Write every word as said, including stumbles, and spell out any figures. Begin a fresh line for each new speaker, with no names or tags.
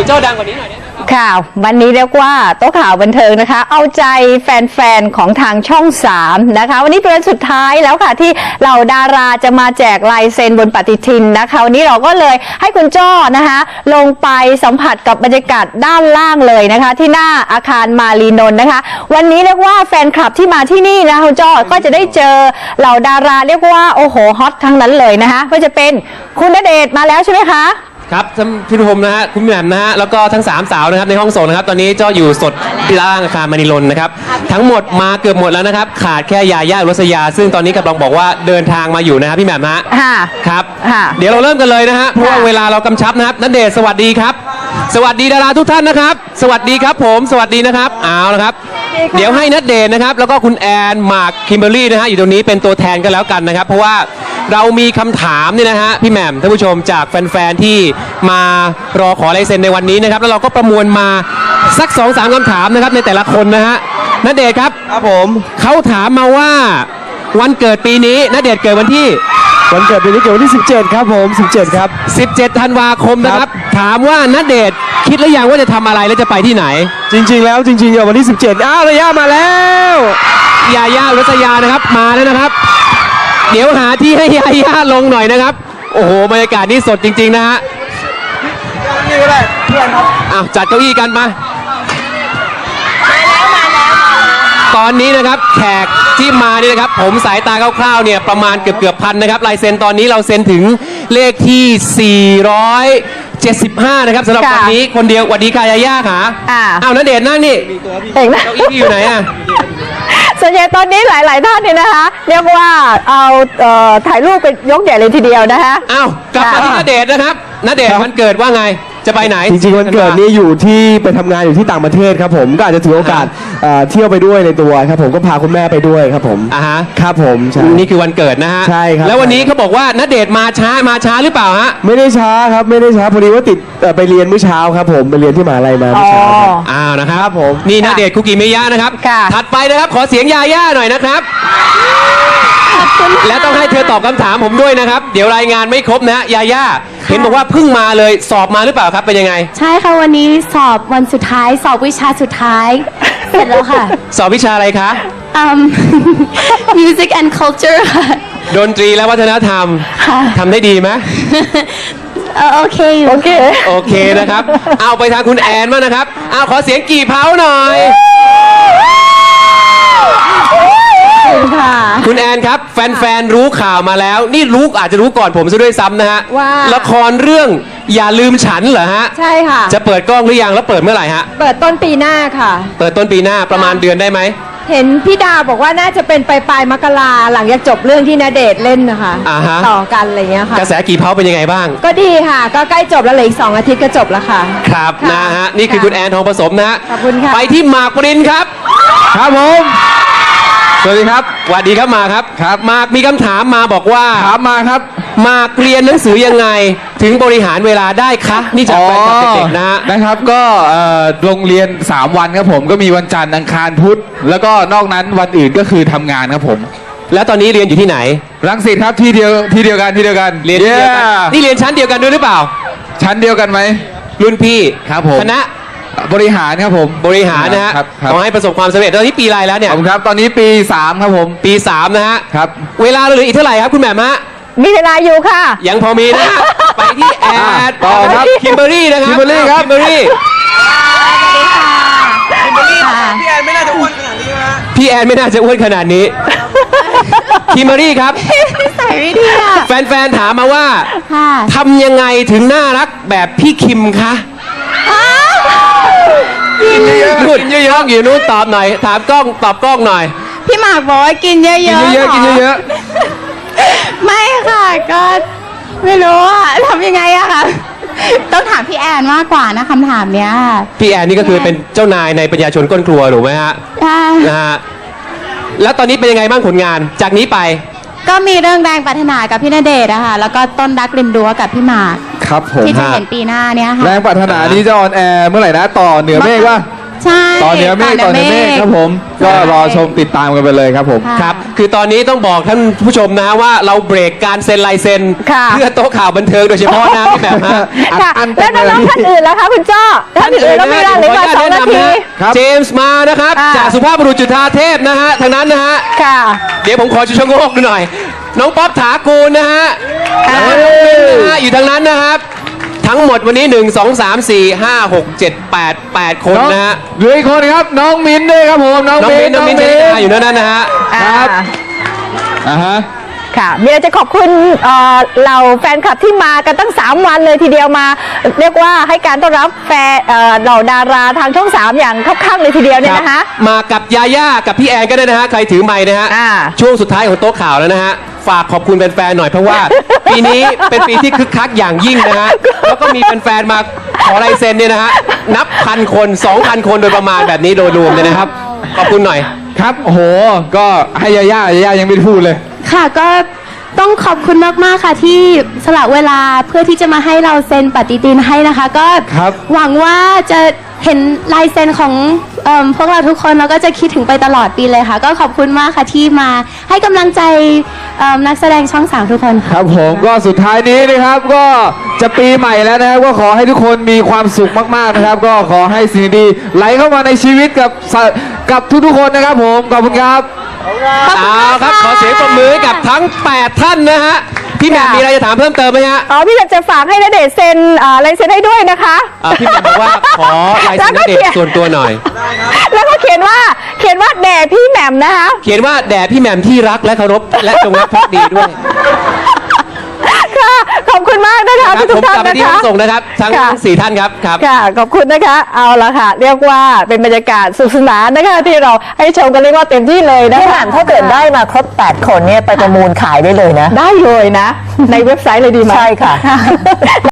โจ้ดังกว่านี้หน่อยได้ไหมครับ
ข่าววันนี้เรียกว่าโต๊ะข่าวบันเทิงนะคะเอาใจแฟนๆของทางช่องสามนะคะวันนี้เป็นวันสุดท้ายแล้วค่ะที่เหล่าดาราจะมาแจกลายเซ็นบนปฏิทินนะคะวันนี้เราก็เลยให้คุณจ้อนะคะลงไปสัมผัสกับบรรยากาศด้านล่างเลยนะคะที่หน้าอาคารมารีนนท์นะคะวันนี้เรียกว่าแฟนคลับที่มาที่นี่นะคุณจ้อก็จะได้เจอเหล่าดาราเรียกว่าโอ้โหฮอตทั้งนั้นเลยนะคะก็จะเป็นคุณณเดชน์มาแล้วใช่ไหมคะ
ครับท่านพี่ภูมินะฮะคุณแหม่มนะฮะแล้วก็ทั้งสามสาวนะครับในห้องส่งนะครับตอนนี้เจ้าอยู่สดที่ล่างอาคารมณีรนนะครับทั้งหมดมาเกือบหมดแล้วนะครับขาดแค่ยาย่าอุรัสยาซึ่งตอนนี้กำลังบอกว่าเดินทางมาอยู่นะครับพี่แหม่มนะครับเดี๋ยวเราเริ่มกันเลยนะฮะเพราะว่าเวลาเรากำชับนะครับณเดชน์สวัสดีครับสวัสดีดาราทุกท่านนะครับสวัสดีครับผมสวัสดีนะครับเอาละครับเดี๋ยวให้ณเดชน์นะครับแล้วก็คุณแอนหมากคิมเบอร์รี่นะฮะอยู่ตรงนี้เป็นตัวแทนกันแล้วกันนะครับเพราะว่าเรามีคำถามนี่นะฮะพี่แหม่มท่านผู้ชมจากแฟนๆที่มารอขอลายเซ็นในวันนี้นะครับแล้วเราก็ประมวลมาสัก สองสาม คำถามนะครับในแต่ละคนนะฮะณเดชน์ครับ
ครับผม
เขาถามมาว่าวันเกิดปีนี้ณเดชน์เกิดวันที่
วันเกิดปีนี้เกิดวันที่สิบเจ็ดครับผมสิบเจ็ดครับ
สิบเจ็ดธันวาคมนะครับถามว่าณเดชน์คิดหรือยังว่าจะทำอะไรและจะไปที่ไหน
จริงๆแล้วจริงๆเดี๋ยววันที่สิบเจ็ดอ้าวระยะมาแล้ว
ยาย่าอุรัสยานะครับมาแล้วนะครับเดี๋ยวหาที่ให้ยาย่าลงหน่อยนะครับโอ้โหบรรยากาศนี่สดจริงๆนะฮะ
นี่ก็ได้เพื่อนครับ
อ้าวจัดเก้าอี้กันมาตอนนี้นะครับแขกที่มานี่นะครับผมสายตาคร่าวๆเนี่ยประมาณเกือบเกือบพันนะครับลายเซ็นตอนนี้เราเซ็นถึงเลขที่สี่ร้อยเจ็ดสิบห้านะครับสำหรับวันนี้คนเดียววันนี้กายาย่าค่ะอ้าวณเดชน์นั่งนี่
เองนะ
เก้าอี้อยู่ไหนอ่ะ
ส่วนใหญ่ตอนนี้หลายๆท่านเนี่ยนะคะเรียกว่าเอาถ่ายรูปเป็นยกใหญ่เลยทีเดียวนะคะ
อ้าวกลับมาที่ณเดชน์นะครับณเดชน์วันเกิดว่าไงจะไปไหน
จริงๆวันเกิดนี่อยู่ที่ไปทำงานอยู่ที่ต่างประเทศครับผมก็อาจจะถือโอกาสเที่ยวไปด้วยในตัวครับผมก็พาคุณแม่ไปด้วยครับผม
อ่าฮะ
ครับผม
นี่คือวันเกิดนะฮะ
ใช่ครับ
แล้ววันนี้เขาบอกว่าณเดชน์มาช้ามาช้าหรือเปล่าฮะ
ไม่ได้ช้าครับไม่ได้ช้าพอดีว่าติดไปเรียนเมื่อเช้าครับผมไปเรียนที่มหาลัยมาเมื่อเช้าครับ
อ้าวนะครับผมนี่ณเดชน์คุกิมิยะนะครับถัดไปนะครับขอเสียงยาย่าหน่อยนะครับและต้องให้เธอตอบคำถามผมด้วยนะครับเดี๋ยวรายงานไม่ครบนะยาย่าเห็นบอกว่าเพิ่งมาเลยสอบมาหรือเปล่าครับเป็นยังไง
ใช่ค่ะวันนี้สอบวันสุดท้ายสอบวิชาสุดท้ายเสร็จแล้วค่ะ
สอบวิชาอะไรคะ
um, Music and Culture ค่ะ
ดนตรีและวัฒนธรรมทำได้ดีไหม
โอเค
โอเค
โอเคนะครับเอาไปทางคุณแอนบ้างนะครับเอาขอเสียงกี่เผาหน่อยคุณแอนครับแฟนๆรู้ข่าวมาแล้วนี่รู้อาจจะรู้ก่อนผมซะด้วยซ้ำนะฮะ
ว่า
ละครเรื่องอย่าลืมฉันเหรอฮะ
ใช่ค่ะ
จะเปิดกล้องหรือยังแล้วเปิดเมื่อไหร่ฮะ
เปิดต้นปีหน้าค่ะ
เปิดต้นปีหน้าประมาณเดือนได้ไหม
เห็นพี่ดาบอกว่าน่าจะเป็นปลายปลายมกราหลังจากจบเรื่องที่ณเดชน์เล่นนะคะต่อกันอะไรเงี้ยค่ะ
กระแสกี่เผาเป็นยังไงบ้าง
ก็ดีค่ะก็ใกล้จบแล้วเหลืออีกสองอาทิตย์ก็จบแล้วค่ะ
ครับนะฮะนี่คือคุณแอนทองผสมนะฮะ
ขอบคุณค่ะ
ไปที่หมากปรินครับ
ครับผมสวัสดีครับ
สวัสดีครับมาครับ
ครับ
มากมีคำถามมาบอกว่า
ถามมาครับ
มากเรียนหนังสือยังไงถึงบริหารเวลาได้คะนี่จากแฟนคลับเด็กๆนะ
นะครับก็โรงเรียนสามวันครับผมก็มีวันจันทร์อังคารพุธแล้วก็นอกนั้นวันอื่นก็คือทำงานครับผม
แล้วตอนนี้เรียนอยู่ที่ไหน
รังสิตครับที่เดียวที่เดียวกันที่เดียวกัน
เรียนเดียวกันนี่เรียนชั้นเดียวกันด้วยหรือเปล่า
ชั้นเดียวกันไหม
รุ่นพี่
ครับผม
คณะ
บริหารครับผม
บริหารนะฮะขอให้ประสบความสำเร็จตอนนี้ปีอะไรแล้วเนี่ย
ครับตอนนี้ปีสามครับผม
ปีสามนะฮะ
ครับ
เวลาเหลืออีกเท่าไหร่ครับคุณแหม่มฮะ
มีเวลาอยู่ค่ะ
ยังพอมีนะฮะไปที่แอด
ต่อครับ
คิมเบอร์รี่นะครับ
คิมเบอร์รี่ครับ
คิมเบอร์รี่
คิมเบอร์รี่พี่แอนไม่น่าจะอ้วนขนาดนี้นะ
พี่แอนไม่น่าจะอ้วนขนาดนี้คิมเบอร์รี่ครับ
ใส่ไม่ดีค่ะ
แฟนๆถามมาว่าทำยังไงถึงน่ารักแบบพี่คิมคะ
กินเยอะ
ๆกินเยอะๆอยู่นู้นตอบหน่อยถามกล้องตอบกล้องหน่อย
พี่หมากบอกว่ากินเยอะๆกิน
เยอะๆกินเยอะ
ๆไม่ค่ะก็ไม่รู้อะทำยังไงอะคะต้องถามพี่แอนมากกว่านะคำถามเนี้ย
พี่แอนนี่ก็คือเป็นเจ้านายในปัญญาชนก้นครัวถูกไหมฮะนะฮะแล้วตอนนี้เป็นยังไงบ้างผลงานจากนี้ไป
ก็มีเรื่องแรงปรารถนากับพี่ณเดชน์อะค่ะแล้วก็ต้นรักริมรั้วกับพี่หมาก
ครับผม
ที่จะเห็นปีหน้าเนี้ยค่ะ
แรงปรารถนานี้จะออนแอร์เมื่อไหร่นะต่อเหนือเมฆว่า
ใช่
ต่อเหนือเมฆต่อเหนือเมฆครับผม ก็รอชมติดตามกันไปเลยครับผม
ครับ คือตอนนี้ต้องบอกท่านผู้ชมนะว่าเราเบรกการเซ็นลายเซ็น
ค่ะ
เพื่อโต๊ะข่าวบันเทิงโดยเฉพาะนะพี่แหม่มฮะ
ค่ะ
อัน
แล้วน้องๆท่านอื่นล่ะคะคุณจ้อท่านอื่นแล้วไม่ได้หรือว่าสองนาที
ครับ
เจมส์มานะครับ
อ่า
จากสุภาพบุรุษจุฑาเทพนะฮะทางนั้นนะฮะ
ค่ะ
เดี๋ยวผมขอชูชะโงกดูหน่อย น้องป๊อปถากูลนะฮะ
อ่า
แล้วก็น้องมิ้นนะฮะอยู่ทางนั้นนะครับ ทั้งหมดวันนี้หนึ่ง สอง สาม สี่ ห้า หก เจ็ด แปด แปดคนนะฮะ
เหลืออีกคนครับ น้องมิ้นด้วยครับผม น้อง
น้อง
มิ้
มิ้
น
นน้องมิ้นที่มาอยู่นั่นนะฮะ
ครับ
อ่า
อ่าฮะ
ค่ะมีอะไรจะขอบคุณเอ่อเหล่าแฟนคลับที่มากันตั้งสามวันเลยทีเดียวมา เรียกว่าให้การต้อนรับแฟนเอ่อเหล่าดาราทางช่องสามอย่างคับข้างเลยทีเดียวเนี่ยนะคะ
มากับยาย่ากับพี่แอนก็ได้นะฮะ ใครถือไมค์นะฮะ
อ่า
ช่วงสุดท้ายของโต๊ะข่าวแล้วนะฮะ ฝากขอบคุณแฟนๆหน่อยเพราะว่า ปีนี้เป็นปีที่คึกคักอย่างยิ่งนะฮะ แล้วก็มีแฟนๆมาขอลายเซ็นเนี่ยนะฮะ นับพันคน สองพัน คนโดยประมาณแบบนี้โดยรวมเลยนะครับ ขอบคุณหน่อย
ครับโอ้โห ก็ให้ยาย่ายาย่ายังไม่ได้พูดเลย
ค่ะก็ต้องขอบคุณมากๆค่ะที่สละเวลาเพื่อที่จะมาให้เราเซ็นปฏิทินให้นะคะ ก็
ครับ
หวังว่าจะเห็นลายเซ็นของเอมพวกเราทุกคนแล้วก็จะคิดถึงไปตลอดปีเลยค่ะ ก็ขอบคุณมากค่ะที่มาให้กำลังใจเอิ่มนักแสดงช่องสามทุกคนค่ะ
ครับผมก็สุดท้ายนี้นะครับก็จะปีใหม่แล้วนะครับก็ขอให้ทุกคนมีความสุขมากๆนะครับ ก็ขอให้สิ่งดีๆไหลเข้ามาในชีวิตกับสะกับทุกๆคนนะครับผมขอบคุณครับ
เอาครับ ขอเสียงปรบมือให้กับทั้ง แปด ท่านนะฮะ พี่แหม่มมีอะไรจะถามเพิ่มเติมไหมฮะ
อ๋อพี่อยากจะฝากให้ณเดชน์เซ็นเอ่อลายเซ็นให้ด้วยนะคะ
อ่าพี่แหม่มบอกว่าขอลายเซ็นณเดชน์ส่วนตัวหน่อย
แล้วก็เขียนว่าเขียนว่าแด่พี่แหม่มนะคะ
เขียนว่าแด่พี่แหม่มที่รักและเคารพและจงรักภักดีด้วย
ค่ะขอบคุณมากนะคะ
ครับ
ทุ
ผ
ก
ม
ๆท่าน
กลับไป
นะ
ที่ห้
คะ
องส่งนะครับ ทั้ง
ค่ะ
สี่ท่านครับครับ
ค่ะขอบคุณนะคะ เอาละค่ะ เรียกว่าเป็นบรรยากาศสนุกสนานนะคะที่เราให้ชมกันเรียกว่าเต็มที่เลยนะ
พี่แห
คะ
ม่มถ้าเกิดได้มาครบแปดคนเนี่ยไปประมูลขายได้เลยนะ
ได้เลยนะ ในเว็บไซต์เลยดีไหม
ใช่ค่ะ